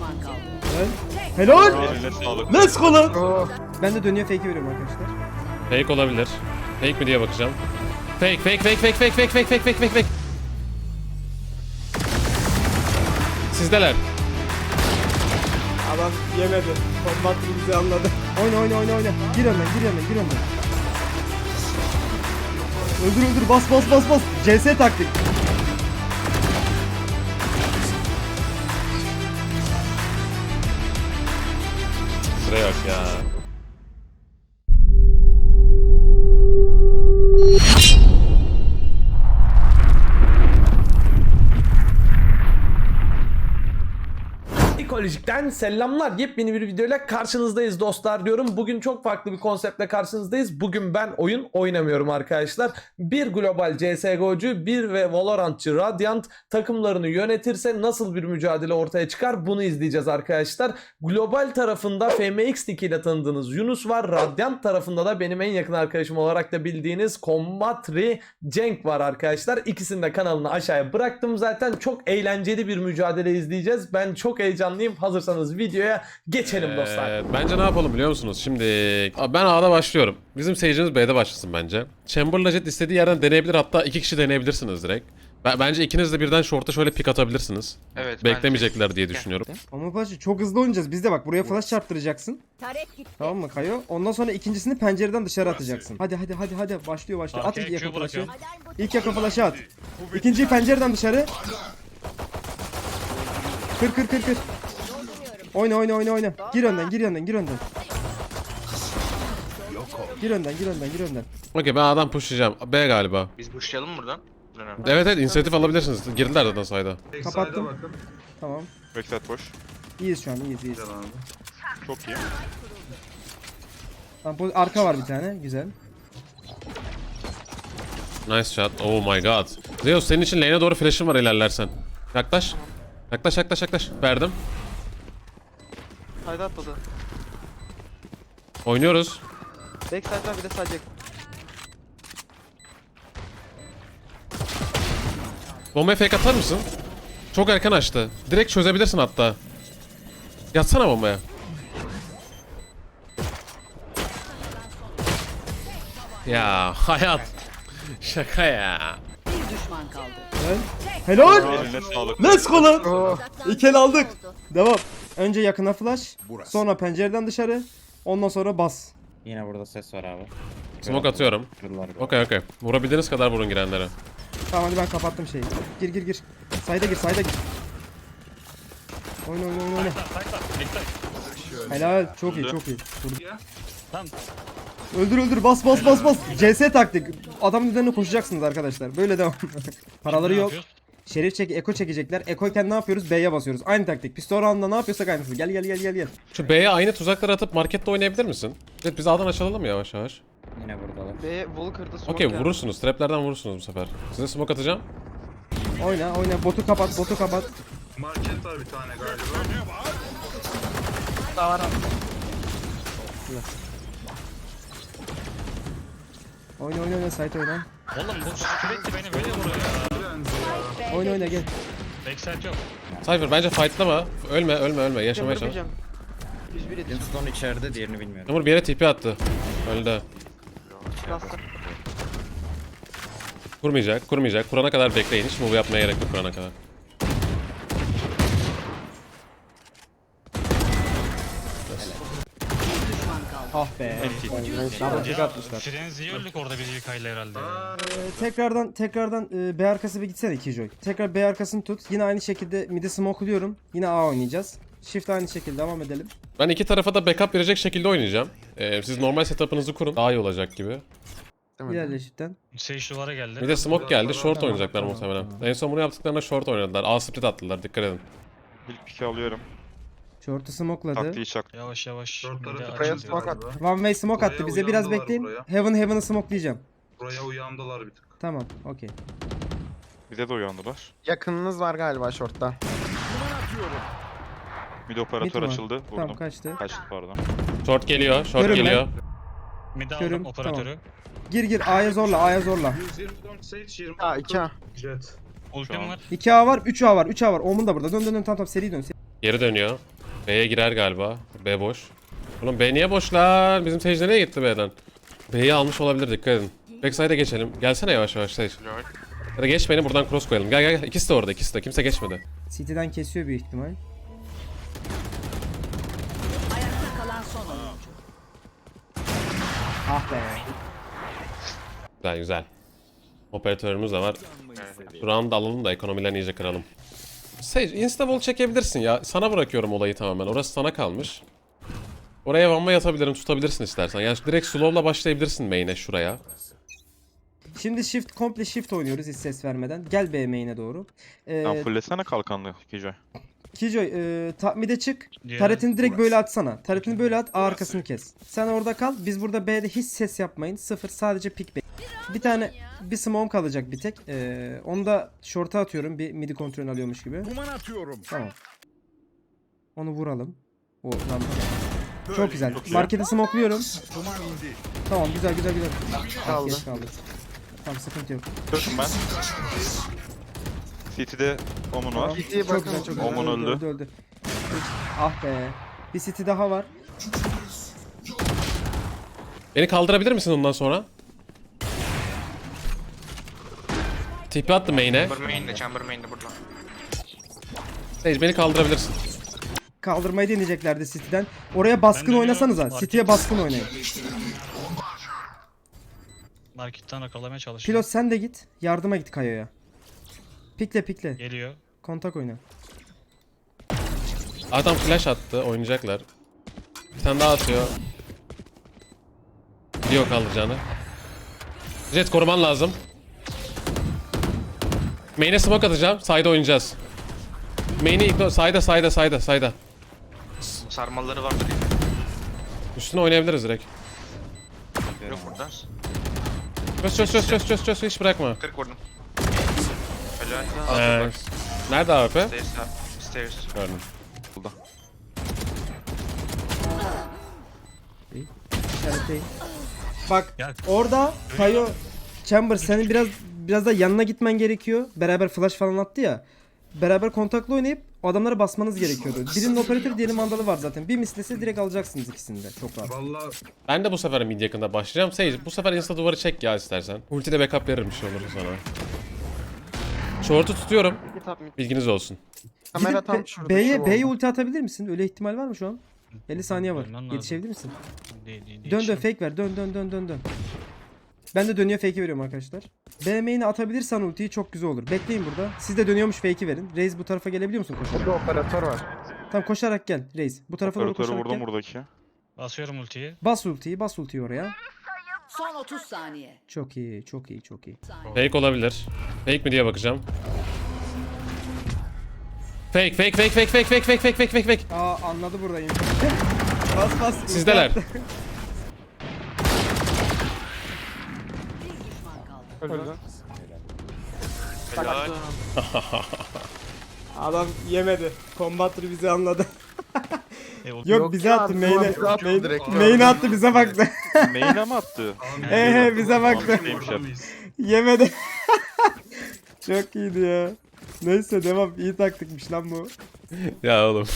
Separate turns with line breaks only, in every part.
düşman kaldı.
Helal.
Eline sağlık.
Let's go lan. Ben de dönüyor fake'i veriyorum arkadaşlar.
Fake olabilir. Fake mi diye bakacağım. Fake. Sizdeler.
Adam yemedi. Kombat bizi anladı. Oyna. Gir önden. Öldür. Bas. CS taktik.
Sıraya bak ya.
Ekolojik'ten selamlar. Yepyeni bir videoyla karşınızdayız dostlar diyorum. Bugün çok farklı bir konseptle karşınızdayız. Bugün ben oyun oynamıyorum arkadaşlar. Bir global CSGO'cu, bir ve Valorantçı Radiant takımlarını yönetirse nasıl bir mücadele ortaya çıkar bunu izleyeceğiz arkadaşlar. Global tarafında FMX ile tanıdığınız Yunus var. Radiant tarafında da benim en yakın arkadaşım olarak da bildiğiniz Combatri Cenk var arkadaşlar. İkisinin de kanalını aşağıya bıraktım zaten. Çok eğlenceli bir mücadele izleyeceğiz. Ben çok heyecanlıyım. Hazırsanız videoya geçelim dostlar.
Bence ne yapalım biliyor musunuz? Şimdi ben A'da başlıyorum. Bizim seyircimiz B'de başlasın bence. Chamber'la Jet istediği yerden deneyebilir. Hatta 2 kişi deneyebilirsiniz direkt. Bence ikiniz de birden short'a şöyle pick atabilirsiniz.
Evet.
Beklemeyecekler diye düşünüyorum.
Ama Paşa çok hızlı oynayacağız. Biz de bak buraya flash çarptıracaksın.
Taret gitti.
Tamam mı Kayo? Ondan sonra ikincisini pencereden dışarı atacaksın. Hadi. Başlıyor. At ilk yakın flash'ı. İlk yakın flash'ı at. İkinciyi pencereden dışarı. Kır. Oyna. Gir önden. Gir önden.
Okey, ben A'dan pushlayacağım. B galiba.
Biz pushlayalım mı buradan?
Evet, inisiyatif alabilirsiniz. Girdiler zaten sayda.
Kapattım. Tamam.
Backside boş.
İyiyiz şu an, iyiyiz.
Çok iyi.
Tamam, arka var bir tane. Güzel.
Nice shot. Oh my god. Zeus, senin için lane'e doğru flash'ım var ilerlersen. Yaklaş. Verdim.
Sayda atladı.
Oynuyoruz.
Backside var, bir de sadece.
Bombaya fake atar mısın? Çok erken açtı. Direkt çözebilirsin hatta. Yatsana bombaya. Ya hayat. Şaka ya.
Bir düşman kaldı.
Helal.
Eline sağlık.
Let's go lan. İki el aldık. Devam. Önce yakına flash. Sonra pencereden dışarı. Ondan sonra bas.
Yine burada ses var abi.
Smoke atıyorum.
Kırdılar.
Okey. Vurabildiğiniz kadar vurun girenlere.
Tamam hadi ben kapattım şeyi. Gir. Sayda gir. Oyna. Helal. Çok iyi.
Tamam.
Öldür. Bas. CS taktik. Adamın üzerine koşacaksınız arkadaşlar. Böyle devam. Paraları yok. Şerif eko çekecekler. Ekoyken ne yapıyoruz? B'ye basıyoruz. Aynı taktik. Pistol round'da ne yapıyorsak aynısı. Gel.
Şu B'ye aynı tuzakları atıp markette oynayabilir misin? Evet, biz A'dan açılalım yavaş.
Yine buradalar.
B wall kırdı. smoke
Okey,
geldi.
vurursunuz. Traplerden vurursunuz bu sefer. Size smoke atacağım.
Oyna. Botu kapat.
Market var bir tane galiba.
Daha var abi.
Oyna. Site oyna.
Oğlum bu sürekli beni böyle vuruyor ya.
Oyna gel.
Backside yok.
Cypher bence fightlama. Ölme. Yaşamaya çalış.
Vurabileceğim. 101 yedi.
Stone içeride, diğerini bilmiyorum.
Yağmur bir yere TP attı. Öldü.
Lasta.
Kurmayacak. Kurana kadar bekleyin. Hiç move yapmaya gerek yok kurana kadar.
Bir düşman kaldı.
Ah be. Double atmışlar.
Frenzy'yi öldük orada biz Yuka'yla herhalde.
Tekrardan B arkası bir gitsene Killjoy. Tekrar B arkasını tut. Yine aynı şekilde mid'i smoke'luyorum. Yine A oynayacağız. Shift aynı şekilde devam edelim.
Ben iki tarafa da backup verecek şekilde oynayacağım. Siz normal setup'ınızı kurun. Daha iyi olacak gibi.
İlerle shift'ten.
Sage duvara geldi.
Bir de smoke geldi. Short oynayacaklar muhtemelen. En son bunu yaptıklarında short oynadılar. A split attılar. Dikkat edin.
İlk piki alıyorum.
Short'u smoke'ladı.
Taktiği çak.
Yavaş.
Buraya smoke attı.
One way smoke attı.
Buraya
Bize biraz
uyandılar
bekleyin.
buraya.
Heaven'ı smoke'layacağım.
Buraya uyandılar bir tık.
Tamam. Okey.
Bize de uyandılar.
Yakınınız var galiba short'ta.
Mid operatör
Mid mi?
açıldı. Vurdum.
Tamam kaçtı.
Kaçtı pardon.
Short geliyor.
Görün
Mid
Körüm,
aldım operatörü.
Gir. A'ya zorla.
124 Sage 20.
Ha 2A.
Jet.
Ultim var.
2A var. 3A var. Omun da burada. Dön. Tamam. Seri dön.
Geri dönüyor. B'ye girer galiba. B boş. Oğlum B niye boş lan? Bizim Sage nereye gitti B'den? B'yi almış olabilir, dikkat edin. Backside'e geçelim. Gelsene yavaş yavaş Sage. Ya da geç beni, buradan cross koyalım. Gel gel gel. İkisi de orada, ikisi de. Kimse geçmedi.
City'den kesiyor büyük ihtimal.
Ayakta kalan son oyuncu.
Ah be.
Güzel güzel. Operatörümüz de var. Şu round'u alalım da ekonomilerini iyice kıralım. Sage, insta-wall çekebilirsin ya. Sana bırakıyorum olayı tamamen. Orası sana kalmış. Oraya vamba yatabilirim, tutabilirsin istersen. Yani direkt slow'la başlayabilirsin main'e şuraya.
Şimdi komple shift oynuyoruz hiç ses vermeden. Gel B main'e doğru.
Sen fullesene kalkanlı Kijoy.
Kijoy mide çık.
Diğer-
Taretini direkt böyle atsana. Taretini böyle at, A arkasını kes. Sen orada kal. Biz burada B'de hiç ses yapmayın. Sıfır, sadece pick back. Bir tane bir smoke kalacak bir tek. Onu da short'a atıyorum. Bir midi kontrol alıyormuş gibi. Tamam. Onu vuralım. O lan. Çok güzel. Markete smoke'luyorum. Tamam, güzel güzel güzel.
Kaldı.
Geç kaldı. Tamam, sıkıntı yok.
Dördüm ben. City'de Omun var.
Tamam.
City'ye
Çok
bakın.
güzel, çok güzel.
Oman öldü.
Öldü. Ah be. Bir city daha var.
Beni kaldırabilir misin ondan sonra? TP attı main'e.
Chamber main'de burada.
Sage, beni kaldırabilirsin.
Kaldırmayı deneyeceklerdi City'den. Oraya baskın
Ben
oynasanıza.
dönüyorum.
City'ye baskın oynayın.
Marketten yakalamaya çalışıyor.
Pilot sen de git. Yardıma git Kayo'ya. Pikle pikle.
Geliyor.
Kontak oyna.
Adam flash attı, oynayacaklar. Bir tane daha atıyor. Biliyor kaldıracağını. Jet, koruman lazım. Main'e smoke atacağım, side'e oynayacağız. Main'i ignore, side'a.
Sarmalları vardır.
Üstüne oynayabiliriz direkt.
Yok burada.
Çöz, hiç bırakma.
40 vurdum.
Nice. Nerede AWP?
Stairs.
Gördüm.
Burada.
İşaretleyin. Bak
Ya-
orada Kayo Chamber senin biraz da yanına gitmen gerekiyor. Beraber flash falan attı ya. Beraber kontaklı oynayıp o adamlara basmanız gerekiyordu. Birinin operatörü, diğerinin mandalı var zaten. Bir mislese direkt alacaksınız ikisini de. Çok rahat.
Valla
Ben de bu sefer mid yakında başlayacağım. Sage, bu sefer insta duvarı çek ya istersen. Ultide backup veririm, bir şey olur sana. Short'u tutuyorum. Bilginiz olsun.
Kamera tam
Gidip
şurada.
B'ye ulti atabilir misin? Öyle ihtimal var mı şu an? 50 saniye var.
Dönmen lazım.
Yetişebilir misin?
Değil.
Dön fake ver. Dön. Ben de dönüyor fake'i veriyorum arkadaşlar. B main'e atabilirsen ultiyi çok güzel olur. Bekleyin burada. Siz de dönüyormuş fake'i verin. Reis bu tarafa gelebiliyor musun koşarak?
Burada operatör var.
Tamam, koşarak gel Reis. Bu tarafa doğru
Operatörü
koşarak
vurdum
gel.
buradaki.
Basıyorum ultiyi.
Bas ultiyi oraya.
Son 30 saniye.
Çok iyi.
Fake olabilir. Fake mi diye bakacağım. Fake.
Aa, anladı buradayım. bas.
Sizdeler.
Bir düşman kaldı.
Öldü.
Adam yemedi. Combat'ı bizi anladı.
Yok.
Yok, bize attı main'e.
bize attı direkt.
Main'e attı, bize baktı.
Main'e mi attı?
Bize baktı.
Neymiş abi?
Yemedi. Çok iyiydi ya. Neyse devam. İyi taktikmiş lan bu.
Ya oğlum.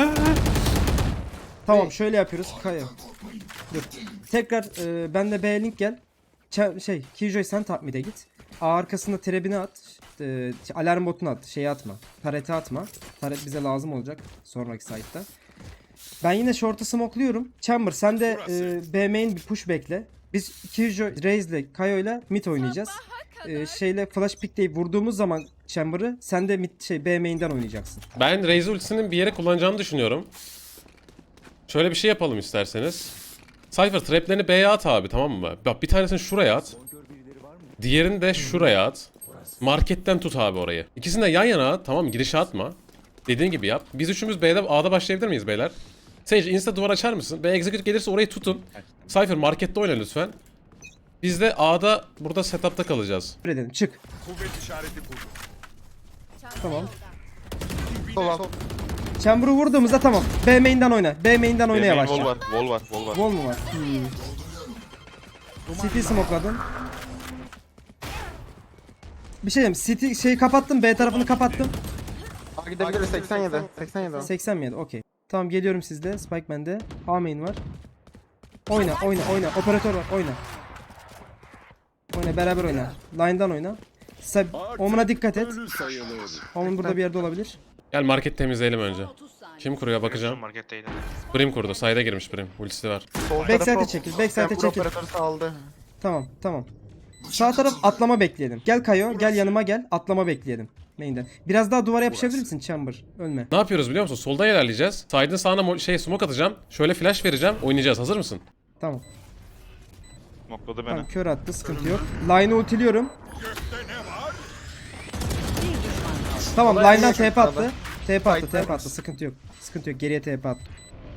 Tamam, şöyle yapıyoruz. Kaya. Dur. Tekrar ben de B link gel. Killjoy sen top mid'e git. A arkasında trebini at. Alarm botunu at. Şeyi atma. Taret'i atma. Taret bize lazım olacak sonraki site'da. Ben yine short'u smoke'luyorum. Chamber sen de B main bir push bekle. Biz Killjoy, Raze'le, Kayo'yla mid oynayacağız. Şeyle flash pick'leyip vurduğumuz zaman Chamber'ı sen de B main'den oynayacaksın.
Ben Raze ultisinin bir yere kullanacağını düşünüyorum. Şöyle bir şey yapalım isterseniz. Cypher traplerini B'ye at abi, tamam mı? Bak, bir tanesini şuraya at. Diğerini de şuraya at. Marketten tut abi orayı. İkisini de yan yana at, tamam mı? Girişe atma. Dediğin gibi yap. Biz üçümüz A'da başlayabilir miyiz beyler? Sage, insta duvar açar mısın? B execute gelirse orayı tutun. Cypher markette oyna lütfen. Biz de A'da burada setup'ta kalacağız.
Edelim. Çık. Tamam.
Sol.
Chamber'ı vurduğumuzda tamam. B main'den oyna. B main'den oynaya
Main
başla.
wall var.
Wall mu var? City smoke'ladın. Bir şey diyeyim. City kapattım. B tarafını kapattım.
Gidebiliriz 87. 87 o.
87. Okey. Tamam geliyorum sizde. Spike bende. A main var. Oyna. Operatör var. Oyna beraber oyna. Line'dan oyna. Omen'a dikkat et. Omen burada bir yerde olabilir.
Gel market temizleyelim önce.
30 saniye.
Kim kuruyor bakacağım.
Marketteydi.
Brim kurdu. Side'a girmiş Brim. Ultisi var.
Backside'e çekil. Backside'e çekil.
Operatörü saldı.
Tamam. Sağ taraf atlama bekleyelim. Gel Kayo. Gel yanıma gel. Atlama bekleyelim. Main'den. Biraz daha duvara yapışabilir misin Chamber? Ölme.
Ne yapıyoruz biliyor musun? Soldan ilerleyeceğiz. Side'ın sağına smoke atacağım. Şöyle flash vereceğim. Oynayacağız. Hazır mısın?
Tamam.
Nokladı beni.
Tamam kör attı. Sıkıntı yok. Line'ı ultiliyorum. Tamam line'dan TP attı. TP attı. Sıkıntı yok. Geriye TP attı.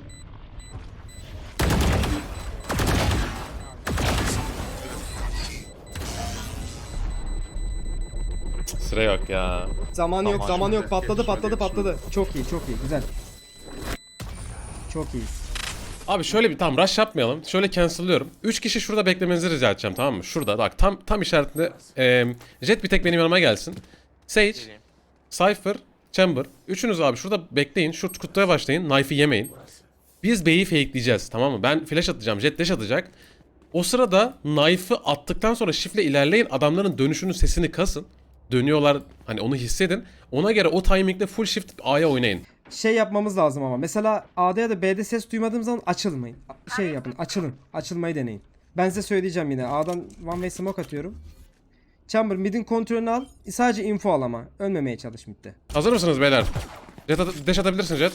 Sıra yok ya.
Zamanı yok. Patladı. Çok iyi. Güzel. Çok iyi.
Abi şöyle bir tam rush yapmayalım. Şöyle cancel'lıyorum. 3 kişi şurada beklemenizi rica edeceğim, tamam mı? Şurada bak tam işaretinde Jet bir tek benim yanıma gelsin. Sage, Cypher, Chamber. Üçünüz abi şurada bekleyin. Şu kutuya başlayın. Knife'ı yemeyin. Biz B'yi fakeleyeceğiz, tamam mı? Ben flash atacağım. Jet dash atacak. O sırada knife'ı attıktan sonra shift'le ilerleyin. Adamların dönüşünün sesini kasın. Dönüyorlar, hani onu hissedin. Ona göre o timing'de full shift A'ya oynayın.
Şey yapmamız lazım ama. Mesela A'da ya da B'de ses duymadığım zaman açılmayın. Şey yapın. Açılın. Açılmayı deneyin. Ben size söyleyeceğim yine. A'dan one way smoke atıyorum. Chamber mid'in kontrolünü al. Sadece info al ama. Ölmemeye çalış mid'de.
Hazır mısınız beyler? Jet dash atabilirsin Jet.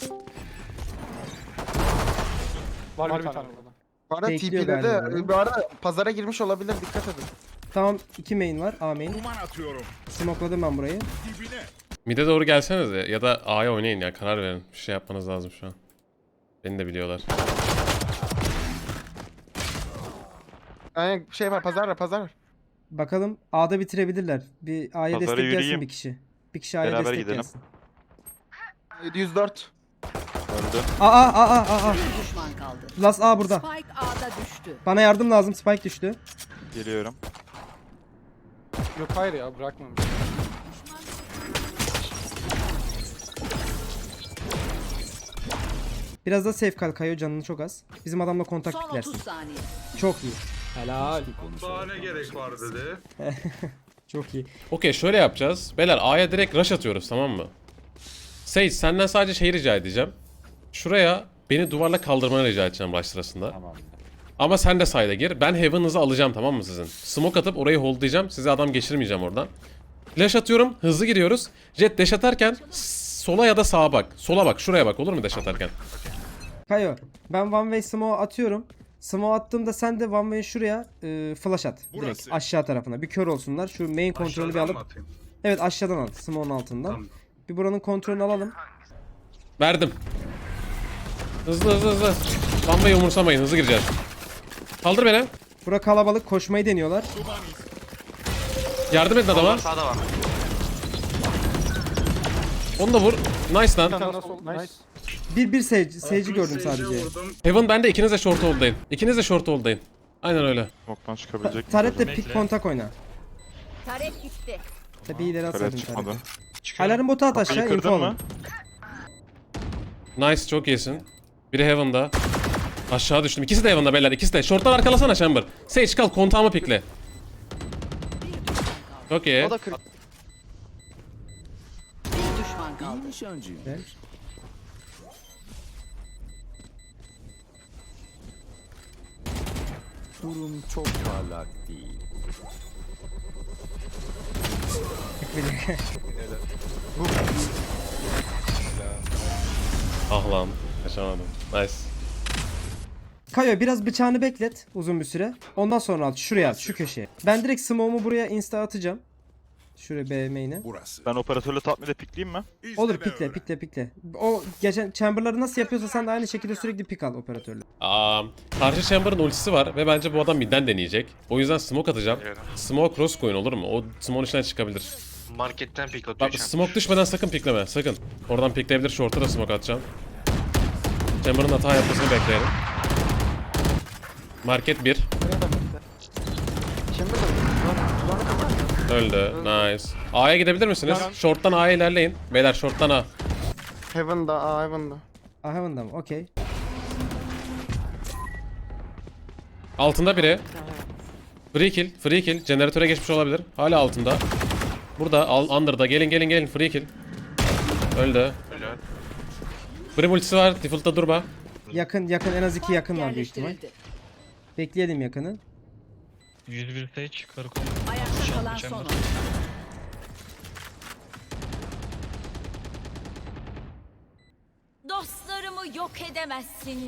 Var bir tane burada. Bu arada
Bekliyor galiba.
TP'de bu arada pazara girmiş olabilir, dikkat edin.
Tamam 2 main var. A main. Smokeladım ben burayı.
Mid'e doğru gelsenize ya da A'ya oynayın ya, karar verin. Bir şey yapmanız lazım şu an. Beni de biliyorlar.
Yani şey var, pazar var.
Bakalım A'da bitirebilirler. Bir A'ya
Pazara
destek gelsin
yürüyeyim.
bir kişi. Bir kişi A'ya
Beraber
destek
gidelim.
gelsin.
104.
Öldü.
Aa.
Bir düşman kaldı.
Last A burada.
Spike A'da düştü.
Bana yardım lazım. Spike düştü.
Geliyorum.
Yok hayır ya, bırakmam.
Biraz da safe kal Kayo, canını çok az. Bizim adamla kontak
Son
piklersin.
30 saniye.
Çok iyi.
Daha ne gerek var dedi.
Çok iyi.
Okey, şöyle yapacağız. Beyler A'ya direkt rush atıyoruz, tamam mı? Sage, senden sadece şey rica edeceğim. Şuraya beni duvarla kaldırmanı rica edeceğim rush sırasında.
Tamam.
Ama sen de side'a gir. Ben Heaven'ınızı alacağım, tamam mı sizin? Smoke atıp orayı holdlayacağım. Size adam geçirmeyeceğim oradan. Flash atıyorum. Hızlı giriyoruz. Jet dash atarken sola ya da sağa bak. Sola bak. Şuraya bak, olur mu dash atarken?
Kayo, ben one way smoke atıyorum. Smoke attığımda sen de one way şuraya flash at. Direkt aşağı tarafına. Bir kör olsunlar. Şu main kontrolü bir
Aşağıdan
alıp.
mı atayım?
Evet aşağıdan at. Smoke'un altından.
Tamam.
Bir buranın kontrolünü alalım.
Verdim. Hızlı. Bambayı umursamayın. Hızlı gireceğiz. Kaldır beni.
Bura kalabalık, koşmayı deniyorlar.
Yardım edin adama.
Sağda var.
Onu da vur. Nice lan.
Nice.
Bir Sage'i gördüm
Sage'e
sadece.
vurdum.
Heaven bende, ikiniz de short hold'dayın. İkiniz de short hold'dayın. Aynen öyle.
Smoke'tan çıkabilecek mi?
Taret de pick kontak oyna.
Taret gitti.
Tabii ileri
Kare
atsaydın
çıkmadı.
Taret'i. Alarm botu at aşağı,
Kapıyı
info
kırdın
alın.
mı?
Nice, çok iyisin. Biri Heaven'da. Aşağı düştüm. İkisi de Heaven'da beyler, ikisi de. Short'tan arkalasana Chamber. Sage kal, kontağımı pikle. Çok iyi.
O da 40.
Bir düşman kaldı.
Güzel.
Durum çok parlak değil.
Ah lan. Yaşamadım. Nice.
Kayo biraz bıçağını beklet uzun bir süre. Ondan sonra at. Şuraya at, şu köşeye. Ben direkt smoke'umu buraya insta atacağım. Şuraya B main'e.
Ben operatörle tatmide pikleyeyim mi?
Olur pikle. O geçen chamber'ları nasıl yapıyorsa sen de aynı şekilde sürekli pick al operatörle.
Karşı Chamber'ın ultisi var ve bence bu adam midden deneyecek. O yüzden smoke atacağım. Smoke cross coin olur mu? O smoke'un içinden çıkabilir.
Marketten pick atıyor.
Bak smoke düşmeden sakın pikleme, sakın. Oradan pikleyebilir, short'a da smoke atacağım. Chamber'ın hata yapmasını bekleyelim. Market 1.
Şimdi
Öldü. Nice. A'ya gidebilir misiniz? Short'tan A'ya ilerleyin. Beyler short'tan A.
Heaven'da, Heaven'da.
Heaven'da mı? Okey.
Altında biri. Free kill. Free kill. Jeneratöre geçmiş olabilir. Hala altında. Burada. Under'da. Gelin. Free kill. Öldü.
Helal.
Brim ultisi var. Default'ta durma.
Yakın en az 2 yakın var büyük ihtimal.
Yerleştirildi.
Bekleyelim yakını.
101 stage karakol.
Ayakta kalan son oyuncu.
Dostlarımı yok edemezsiniz.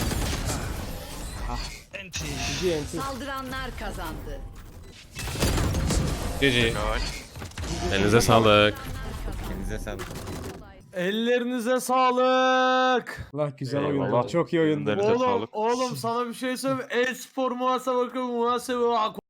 Enti.
Saldıranlar kazandı.
GG.
Helal.
Elinize sağlık.
Elinize sağlık.
Ellerinize sağlık.
Allah güzel
Eyvallah.
oyundu. Çok iyi oyundu.
Ellerinize sağlık.
Oğlum sana bir şey söyleyeyim. E-spor muhasebe bakın muhasebe